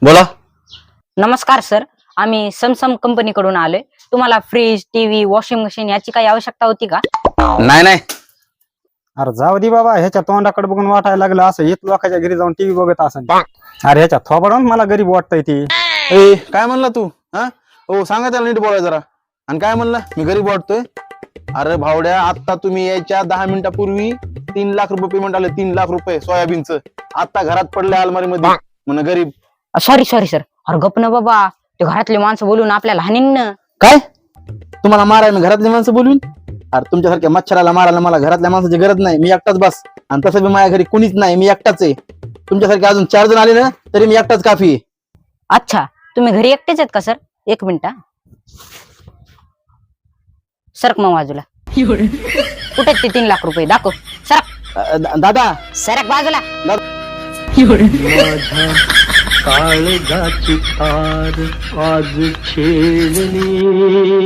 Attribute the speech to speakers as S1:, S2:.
S1: बोला.
S2: नमस्कार सर, आम्ही सॅमसंग कंपनीकडून आलोय. तुम्हाला फ्रीज, टीव्ही, वॉशिंग मशीन याची काही आवश्यकता होती का?
S1: नाही नाही,
S3: अरे जाऊ दे बाबा, ह्याच्या तोंडाकडे बघून वाटायला लागलं असं येत लोकांच्या घरी जाऊन टीव्ही बघत असेल. अरे ह्याच्या थोबाडून मला गरीब वाटतंय ती.
S4: ए काय म्हणला तू? हा हो, सांगा त्याला नीट बोलाय जरा. आणि काय म्हणलं मी गरीब वाटतोय? अरे भावड्या, आता तुम्ही यायच्या 10 मिनिटापूर्वी 3 लाख रुपये पेमेंट आलं. 3 लाख रुपये सोयाबीनचं. आता घरात पडले अलमारी मध्ये म्हण गरीब.
S2: Sorry sorry sir. अरे गप ना बाबा, ते घरातले माणसं बोलून आपल्याला हानीन ना.
S4: काय तुम्हाला मारायला मी घरातली माणसं बोलवीन? अरे तुमच्यासारख्या मच्छराला मारायला मला घरातल्या माणसाची गरज नाही. मी एकटाच बस. आणि तसं बी माझ्या घरी कुणीच नाही, मी एकटाच आहे. तुमच्यासारखे अजून 4 जण आले ना तरी मी एकटाच काफी आहे.
S2: अच्छा, तुम्ही घरी एकटेच आहेत का सर? एक मिनिट. सरक मग बाजूला. कुठे ते 3 लाख रुपये दाखव. सरक.
S4: दादा
S2: सरक बाजूला.
S5: काळजाची तार आज छेडली.